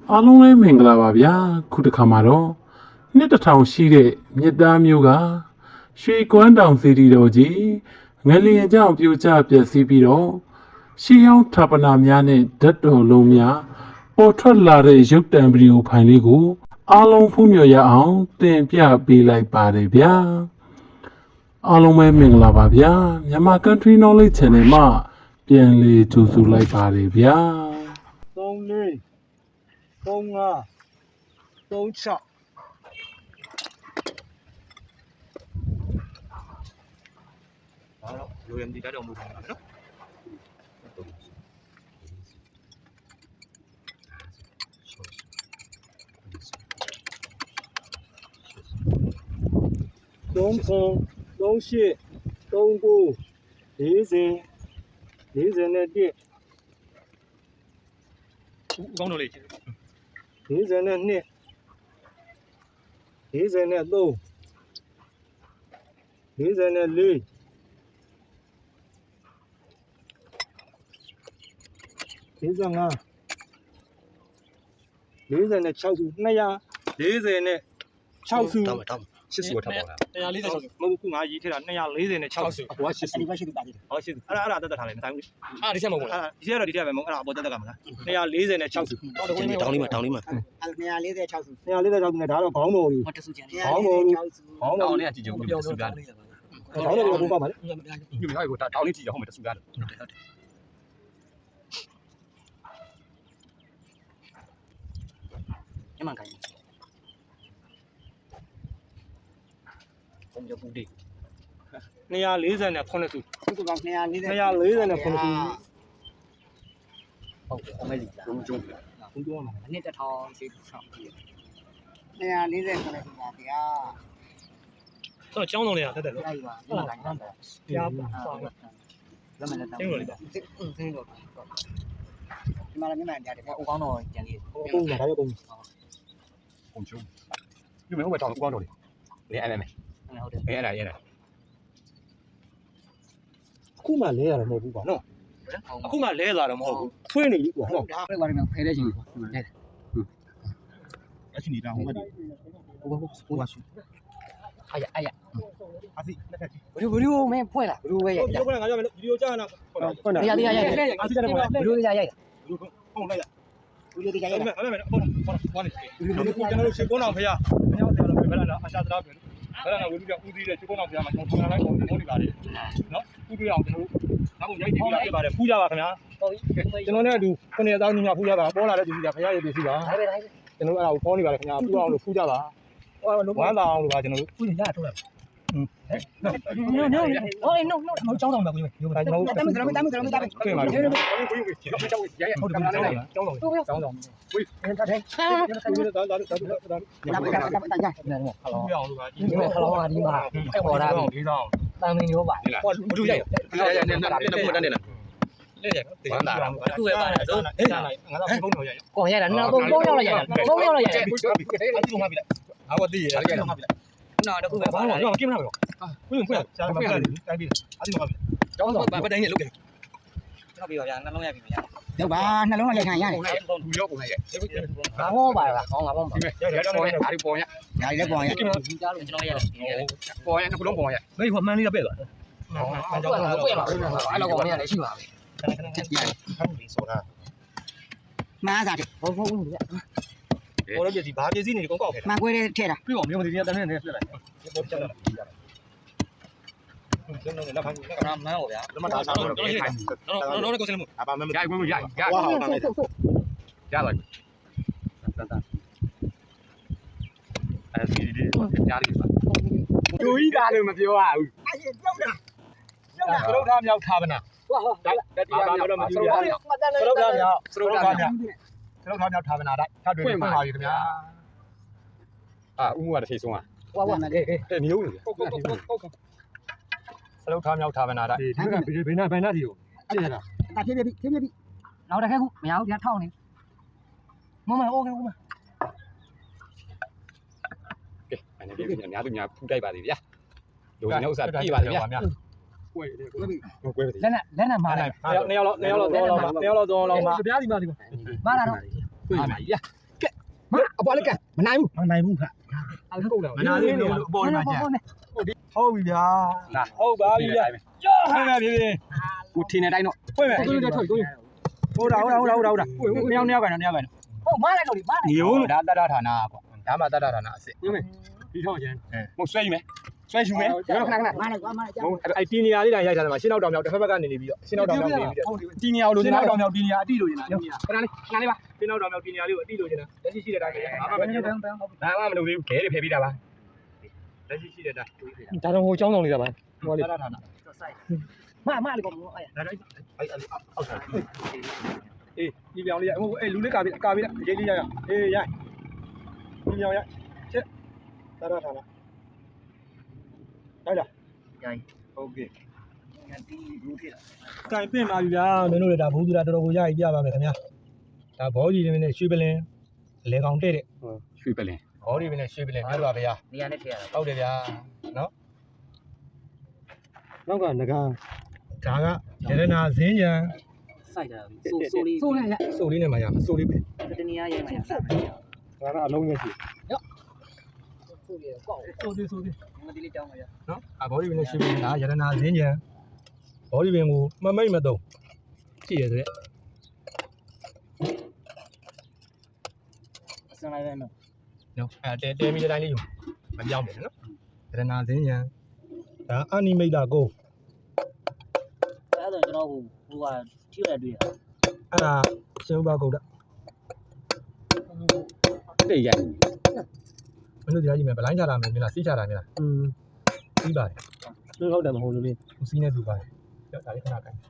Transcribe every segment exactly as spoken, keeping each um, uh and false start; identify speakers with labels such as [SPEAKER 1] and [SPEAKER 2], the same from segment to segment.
[SPEAKER 1] အားလုံးလည်းမင်္ဂလာပါဗျာခုတစ်ခါမှာတော့နှစ်တစ်ထောင်ရှိတဲ့မြစ်သားမျိုးကရွှေကွမ်းတောင်စီတီတော်ကြီးငလျင်ကြောင့်ပြိုကျပျက်စီးပြီးတော့ရှေးဟောင်းဌာပနာများနဲ့ဓာတ်တော်လုံးများပေါ်ထွက်လာတဲ့ရုပ်တံဗီဒီယိုဖိုင်လေးကိုအားလုံးဖူးမြော်ရအောင်တင်ပြပေးလိုက်ပါတယ်ဗျာအားလုံးပဲမင်္ဂလာပါဗျာမြန်မာ Country Knowledge Channel မှာပြန်လည်ကြိုဆိုလိုက်ပါတယ်ဗျာ
[SPEAKER 2] သုံးလေးသုံးငါးသုံးခြောက်ဒါတော့ရိုရမ်ဒီတက်တော်မူတယ်နော်သုံးခုသုံးရှစ်သုံးကိုလေးစင်လေးစင်နဲ့တစ်ကောင်းတော့လေလေးစင်နဲ့နှစ်လေးစင်နဲ့သုံးလေးစင်နဲ့လေးလေးစင်ငါလေးစင်နဲ့ခြောက်စုနှစ်ရာလေးစင်နဲ့ခြောက်စုရှစ်စုထပ်ပါလားone forty-sixစုမဟုတ်ဘူးငါရေးထည့်တာtwo fortyနဲ့sixစုဟိုကရှစ်စုဒီကရှစ်စုတာကြည့်တယ်ဟောရှစ်စုအဲ့ဒါအဲ့ဒါတက်တက်ထားလိုက်မဆိုင်ဘူးအဲ့ဒါဒီချက်မဟုတ်ဘူးလားဒီချက်တော့ဒီချက်ပဲမဟုတ်အဲ့ဒါအပေါ်တက်တက်ကမလားtwo fortyနဲ့sixစုတောင်းလေးတောင်းလေးမှာတောင်းလေးမှာအဲ့two forty-sixစုtwo forty-sixစုနဲ့ဒါတော့ခေါင်းတော်ကြီးဟောတစုကျန်ခေါင်းတော်ကြီးခေါင်းတော်လေးကကြည့်ကြဦးတစုကားခေါင်းတော်လေးကဘိုးပါပါလေညမြဟိုကတောင်းလေးကြည့်ရအောင်မယ်တစုကားဟုတ်တယ်ဟုတ်တယ်ညမကိုင်းผมจะพูดดิtwo fortyနဲ့ခုနှစ်စုစုကောင်two fortyနဲ့ခုနှစ်စုဟုတ်အမေကြီးကျုံကျုံကျုံကျုံမှာအနှစ်တစ်ထောင်ရှိဆောင်two fortyနဲ့ခုနှစ်စုပါဗျာတော့ကျောင်းတော်လေးကတက်တက်လို့အဲ့ပါဟုတ်လားဟုတ်ပါကြားပါဆောင်းလက်မလက်တောင်းင်းလို့ပါအင်းင်းလို့ဒီမှာလည်းမြန်မာကြားတယ်အိုကောင်းတော်ကျန်လေးအိုးဒါရောကုန်ကုန်ကျုံဒီမှာဟိုဘက်တောင်းကောင်းတော်လေးလေအဲ့မဲဟုတ်တယ်အဲ့ဒါအဲ့ဒါအခုမှလဲရတာမဟုတ်ဘူးကွာနော်အခုမှလဲလာတော့မဟုတ်ဘူးထွေးနေပြီကွာဟုတ်ဒါပဲဘာလဲဖဲတဲ့ချင်းကွာလဲတယ်အချင်းနေတာဟိုကဒီဟိုကဟိုကဆူအာရအာရအစီလက်ထက်ဘယ်လိုဘယ်လိုမင်းဖွဲ့လားဘယ်လိုပဲရိုက်တာဘယ်လိုကငါပြောမယ်ဗီဒီယိုကြားနာဟုတ်တယ်ရရရရအစီတက်တယ်ဘယ်လိုရရိုက်တာဟုတ်လိုက်ရဗီဒီယိုတရားရိုက်တာအဲ့မဲ့ဟုတ်ဟုတ်ဟုတ်နေကျွန်တော်တို့ရှေ့ကုန်းအောင်ဖေးရမင်းတို့ဆရာတော်ပဲလာအရှာတရားပဲအဲ့ဒါကဝီလူကဦးသေးတဲ့ချစ်ကုန်းအောင်ဆရာမှာကျွန်တော်ထောင်လိုက်ပုံပုံနေပါတယ်နော်ဦးတွေ့အောင်ကျွန်တော်တို့နောက်ပုံရိုက်တင်ပြရပါတယ်ဖူးကြပါခင်ဗျာဟုတ်ပြီကျွန်တော်နဲ့အတူခုနှစ်သောင်းညီမဖူးကြပါပေါ်လာတဲ့သူကြီးကခင်ဗျာရေပြည်စီပါဟုတ်တယ်ကျွန်တော်အဲ့ဒါကိုခေါင်းနေပါတယ်ခင်ဗျာဖူးအောင်လို့ဖူးကြပါဟိုဝမ်းသာအောင်လို့ပါကျွန်တော်တို့ဖူးနေကြထုတ်လိုက်อืม no no oh no no မကျောင်းဆောင်ပါကိုကျွန်တော်တို့တမ်းတမ်းတမ်းတမ်းတမ်းခင်ပါကိုကိုကိုကိုကျောင်းဆောင်ရရဟုတ်တယ်ကျောင်းဆောင်ကျောင်းဆောင်ဝေးအဲ့ဒါတဲ့ဒါဒါဒါဒါဒါဒါဒါဒါဟလောအောင်လို့ပါဒီဟလောပါဒီမှာအဲ့ပေါ်တာဒီဆောင်တမ်းမင်းရောပါဟောဘူးရရရရနဲ့နဲ့နဲ့နဲ့နဲ့လက်ရဝမ်းသာတာအခုပဲပါတယ်ဆိုဟဲ့ငါတော့ဖုန်းတော်ရရကိုရတာနော်သုံးယောက်လောက်ရရသုံးယောက်လောက်ရရအဲ့ဒီမှာပြီလားဟာဝတိရရရမှာပြီလားနော်တခုပဲပါလားတော့กินမလားဘယ်ဖွင့်ဆရာမဖွင့်တယ်တိုင်းပြီအဲ့ဒီမှာပြီကျောင်းတော့ဗတ်တိုင်းနဲ့လုတ်တယ်ကျွန်တော်ပြီပါဗျာနှလုံးရိုက်ပြီဗျာဟုတ်ပါနှလုံးရိုက်ခံရတယ်လူရောက်ပုံရိုက်ဘာဟောပါလားဟောငါပေါ့ပါရရတော့ပေါ်ရအဲ့ဒီပေါ်ရညာလည်းပေါ်ရကျွန်တော်ကျွန်တော်ရတယ်ပေါ်ရနှစ်ခုလုံးပေါ်ရမေးဟိုမှန်းလေးတော့ပဲ့သွားဟောကျောင်းတော့ပွင့်ပါအဲ့လောက်ကောင်လေးလည်းရှိပါပဲရတယ်ဟုတ်ပြီဆိုတာမားစားတယ်ဟုတ်ဟုတ်ဘူးဗျာပေါ်လို့ပြစီဘာပြစီနေကောက်ကောက်ခဲ့မကွဲတဲ့ထဲတာပြီးတော့မျိုးမစီတန်းနဲ့နဲ့ပြလိုက်ပေါ်ချက်လာကျွန်တော်လည်းလက်ဖမ်းကနာမန်းဟောဗျာလက်မထားဆောင်တော့ခိုင်းတော့တော့ကိုစနေမို့အပါမမရဝင်ရရရဟောတာလေရလိုက်တန်တန်အဲစီဒီကြားလိမ့်ပါကျူကြီးတာလို့မပြောရဘူးအဲ့ပြောက်တာပြောက်တာသရုပ်ထားမြောက်ထားပါနာဟောဟောတက်တရားတော့မကြည့်ရဘူးသရုပ်ထားမြောက်သရုပ်ထားမြောက်သရုပ်ထားမြောက်ထားပါနာတိုက်ထပ်တွေ့ဖွင့်ပါပြီခင်ဗျာအာဦးမှုကတစ်ချိန်ဆုံးอ่ะဝါဝါနဲ့တဲ့မျိုးနေဟုတ်ဟုတ်ဟုတ်ဟုတ်စလုတ်ထားမြောက်ထားမနာတိုက်ဒီကဘေးဘေးနာဘယ်နာစီကိုပြည့်ရတာဒါဖြည်းဖြည်းဖြည်းဖြည်းနောက်တစ်ခါခုမရဘူးဒီထောက်နေမမโอเคဦးမကဲအဲ့ဒါပြေးများသူများဖူးတိုက်ပါသေးဗျာလူနေဥစ္စာပြေးပါသေးဗျာကွဲတယ်ကွဲပြီကွဲပြီလက်နဲ့လက်နဲ့မာလိုက်နှစ်ယောက်လောက်နှစ်ယောက်လောက်သုံးလောက်နှစ်ယောက်လောက်သုံးလောက်ပါပြားဒီမှာဒီမှာမာလာတော့ကွဲပါဗျာမအပေါ်လက်ကမနိုင်ဘူးမနိုင်ဘူးခအဲ့ဒါကုန်တယ်မနာသေးဘူးအပေါ်မှာကျန်ဟုတ်ပြီဗျာဟုတ်ပါပြီဗျာဟုတ်ပါပြီကိုထင်းနေတိုင်းတော့ဖွင့်မယ်ကိုထွက်ကိုဟုတ်တာဟုတ်တာဟုတ်တာဟုတ်တာဟုတ်တာနှစ်ယောက်နှစ်ယောက်ကန်နှစ်ယောက်ကန်ဟုတ်မလိုက်တော့ဒီမလိုက်ညို့ဒါတတ္တဌာနပေါ့ဒါမှတတ္တဌာနအစ်စ်ဟုတ်မယ်ဒီထောက်ကျန်ဟုတ်ဆွဲယူမယ်ဆွဲယူမယ်ကျွန်တော်ခဏခဏမလိုက်ကွာမလိုက်ကြောက်အဲ့တီနီယာလေးတိုင်းရိုက်ထားတယ်မှာရှင်းနောက်တောင်မြောက်တစ်ဖက်ဘက်ကနေနေပြီးတော့ရှင်းနောက်တောင်မြောက်နေပြီးတော့တီနီယာကိုလိုချင်တာတောင်မြောက်တီနီယာအတိလိုချင်တာခဏလေးခဏလေးပါရှင်းနောက်တောင်မြောက်တီနီယာလေးကိုအတိလိုချင်တာလက်ရှိရှိတဲ့အတိုင်းဘာမှမလုပ်ဘူးဘာမှမလုပ်သေးဘူးခဲတွေဖယ်ပြီးတာပါလက်ရှိရှိတဲ့အတိုင်းဒါတော့ဟိုចောင်းဆောင်နေတာပါဟိုလေးထားတာမမလေးကောအဲ့ဒါအဲ့အဲ့အောက်ထားအေးဒီပြောင်လေးရဟိုအေးလူလေးကာပြီးကာပြီးလားရေးလေးရရအေးရိုက်ဒီပြောင်ရချက်တာတာထားလားဟုတ်လားရိုက်โอเคဒီဘူးဖြစ်တာကင်ပင့်ပါပြီဗျာမင်းတို့လည်းဒါဘူးသူတာတော်တော်ကိုရည်ပြပါမယ်ခင်ဗျာဒါဘောကြီးတွေနဲ့ရွှေပလင်လေကောင်တဲ့တဲ့ရွှေပလင်ဘောကြီးတွေနဲ့ရွှေပလင်တို့ပါဗျာနေရာနဲ့ထည့်ရတာဟုတ်တယ်ဗျာနော်နောက်ကငကားဒါကရတနာဇင်းညာစိုက်တာဆိုဆိုလေးဆိုလေးဆိုလေးနဲ့မှရမှာဆိုလေးပဲတနည်းအားရိုက်မှရမှာဒါကအလုံးနဲ့ရှိရောဆိုလေးကောက်ဆိုလေးဆိုလေးမဒီလေးတောင်းပါရနော်အဘောဒီပင်နဲ့ရှိပြီဒါရတနာဇင်းညာဘောဒီပင်ကိုမမိတ်မတုံကြည့်ရတဲ့အစလိုက်ပဲနော်နော်အဲတဲတဲမီတိုင်းလေးယူမပြောင်းတယ်နော်ရတနာဇင်းညာဒါအနိမိတ်တာကိုအဲ့ဒါကျွန်တော်ဟိုဟိုကထိရတွေ့ရအဲ့ဒါရှင်းဥပကုတ်တာတိတ်ရိုက်မင်းတို့ကြားကြည့်မယ်ဗလိုင်းချတာမယ်မလားစီးချတာမလားอืมပြီးပါတယ်သူဟုတ်တယ်မဟုတ်လို့လေစီးနေသူပါတယ်ကြောက်ဒါလေးခဏကိုင်း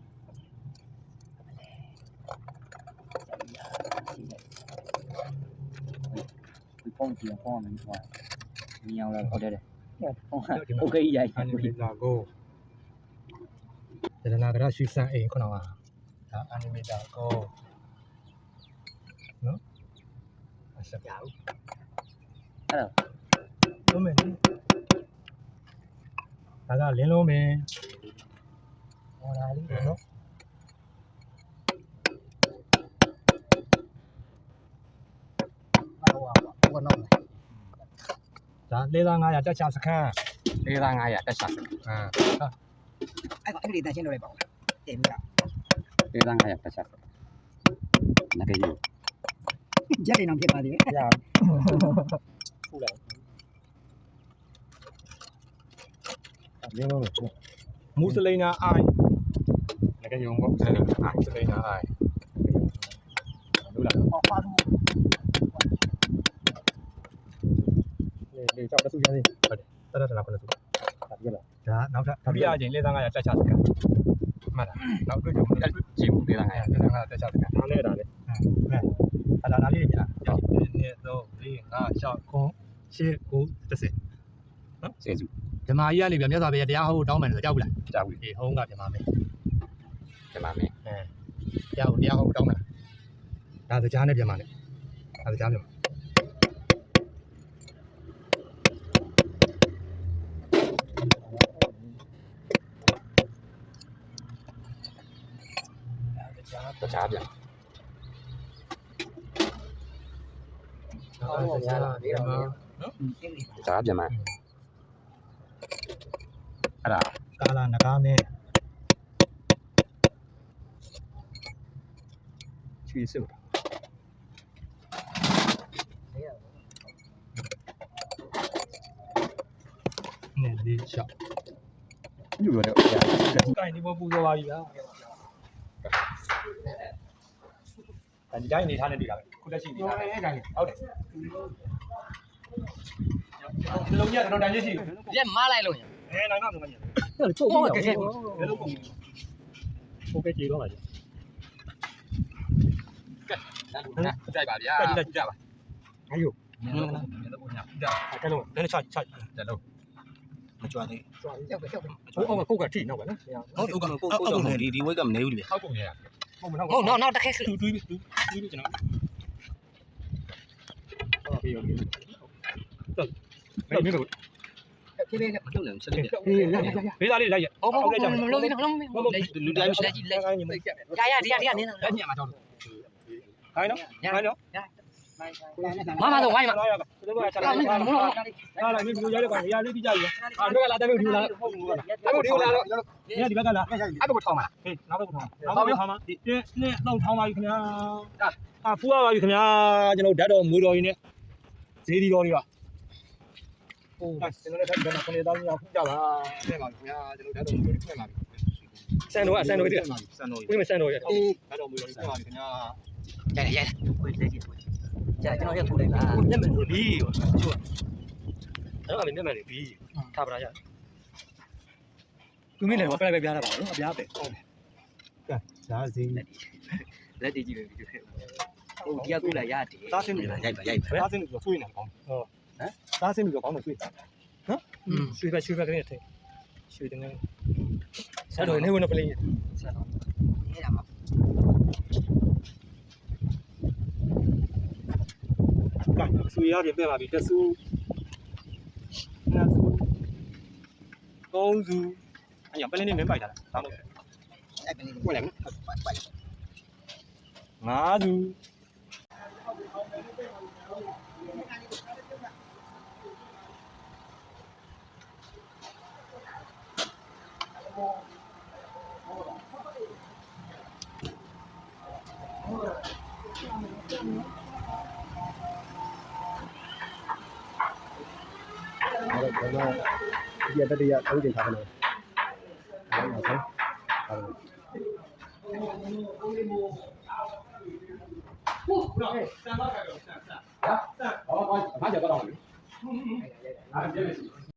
[SPEAKER 2] ဒီပုံကြည့်အောင်မယ်ဟိုမြင်အောင်လည်းဟုတ်တယ်โอเคရိုက်အနိမိတ်တာကိုရတနာကရရှိစံအိမ်ခုနကဒါအနိမိတာကိုနော်အဆက်ပြအောင်အဲ့တော့လုံးမယ်ဒါကလင်းလုံးမယ်ဟောဒါလေးနော်ဟောဟောဟောနော်ဒါလေးသား900တက်ချစခန်းလေးသား900တက်ချစခန်းအာအဲ့အဲ့ဒီတချင်းတော့လိုက်ပါဦးတင်ပြီလားလေးသား900တက်ချနဂရီရက်နေအောင်ဖြစ်ပါသေးတယ်ရဟုတ်လားဒီလိုမူစလိနာအိုင်နဂရီဘောမူစလိနာအိုင်မူစလိနာအိုင်လို့လားဟောပါဘူးလေကြောက်တဆူရသေးဟုတ်တယ်တရတနာခုနဆူဒါပြလားဒါနောက်ထပ်ဒုတိယအချိန်လေးသား900တက်ချစကန်မှတ်လားနောက်တွေ့ကြုံအဲ့တွေ့ကြည့်မှုလေးသား900လေးသား900တက်ချစကန်ဒါနဲ့ဒါနဲ့ဟဲ့အဲ့ဒါဒါလေးညာ1 2 3 4 5 6 9 10 9 10နော်ဆယ်စုဓမ္မကြီးကနေပြမြတ်စွာဘုရားတရားဟောတောင်းမယ်လို့ကြောက်ဘူးလားကြောက်ဘူးအေးဟောင်းကဓမ္မမယ်ဓမ္မမယ်အဲတရားဟောတရားဟောတောင်းမယ်ဒါစကြားနဲ့ဓမ္မနဲ့ဒါစကြားပြန်တခြားပြန်ဟုတ်ပါဘူး။ဒီတော့နော်။တခြားပြန်မှာအဲ့ဒါကာလာနဂါမဲချွေးစုနေလေးချောက်ညို့ရတယ်။ကိုင်းဒီဘောပူစောပါပြီဗျာ။ဒီတိုင်းနေထားနေပြီလားခုလက်ရှိနေထားတယ်အဲ့တိုင်းဟုတ်တယ်ဒီလုံးကြီးကတော့တန်ကြီးရှိတယ်ရက်မလိုက်လို့အဲနိုင်တော့မင်းဟုတ်ချုပ်ပြီးတော့ဘယ်လိုပုံโอเคကြည့်တော့ပါကြကဲဒါကြိုက်ပါဗျာကြည့်ကြည့်ပါအယုနင်းနော်နင်းတော့ညဒါကဲလုံးနည်းချချတယ်လုံးမကြွသေးကြွသေးရောက်ပဲရောက်ပဲဟိုအောက်ကကိုကထိနောက်ပဲနော်ဟုတ်တယ်ကိုကကိုကိုဒီဒီဝိတ်ကမနေဘူးလေဟောက်ပုံနေတာဟုတ်နော်နော်တက်ခဲတူတူတူတူကျွန်တော်ဟုတ်ပြီဟုတ်ပြီတော့မင်းတို့ပြေးပြေးမလုပ်နိုင်ဆက်လိုက်ပြေးရရရဘေးသားလေးလိုက်ရဟုတ်ဟုတ်လိုက်ကြမလုံးသေးနော်လူတိုင်းလက်ကြီးလက်ကြီးရရဒီရဒီရနင်းလက်ကြီးမှာတော့ခိုင်းနော်ခိုင်းနော်မ
[SPEAKER 3] 妈妈都玩嘛，
[SPEAKER 2] 这个下来，下来，你比如家里管家里比较远，啊，这个拉单位丢了，单位丢了，你看里边干啥？
[SPEAKER 3] 还不够长嘛？
[SPEAKER 2] 哎，哪个不长？哪个不长吗？这那老长嘛，有可能啊，啊，富啊，有可能啊，就那带着木头一点，这里搞的吧。哦，现在看这边那可能到你要回家吧，对嘛？你看这那带着木头的快嘛？三多啊，三多一点，三多，为什么三多一点？带着木头的快嘛？你看啊。
[SPEAKER 3] 来来来，会来劲，来，今朝要出来啦。
[SPEAKER 2] 你们是比，就，咱们那边的比，差不多呀。তুমিလည်းပဲပဲပြားတာပါနော်အပြားပဲဟုတ်တယ်ကဲဒါဈေး
[SPEAKER 3] လက်တည်ကြည့်လို့ဒီဟိုတရားကူလာရတယ်
[SPEAKER 2] သားစင်းနေလား
[SPEAKER 3] ရိုက်ပါရိုက်ပါ
[SPEAKER 2] သားစင်းနေဆိုဆွေးနေတယ်ကောင်းဟုတ်ဟမ်သားစင်းနေဆိုကောင်းတယ်ဆွေးနော်ဆွေးပဲဆွေးပဲကလေးထဲဆွေးတယ်ငယ်ဆက်တော့နေဝင်ပလင်းဆက်တော့
[SPEAKER 3] အဲ့ဒါမှ
[SPEAKER 2] ကဲဆွေးရပြင်ပြပါပြီတဆူနှစ်ဆူသုံးဆူအဲ့ရပလင်းနေမင်းပိုက်တာဒါမှမဟုတ်
[SPEAKER 3] အဲ့ပလင်း
[SPEAKER 2] ဝင်လိုက်နော်ငါးဆူ
[SPEAKER 4] ကျွန်တော်ဒီတတိယသုံးချိန်ထားတယ်။ဟုတ်ပါဘူး။ဟုတ်ပါဘူး။
[SPEAKER 1] ဟုတ်ကဲ့စံပါကြတော့စံစံဟာဟာဘာကြတော့လဲဟာပြည့်ပြီ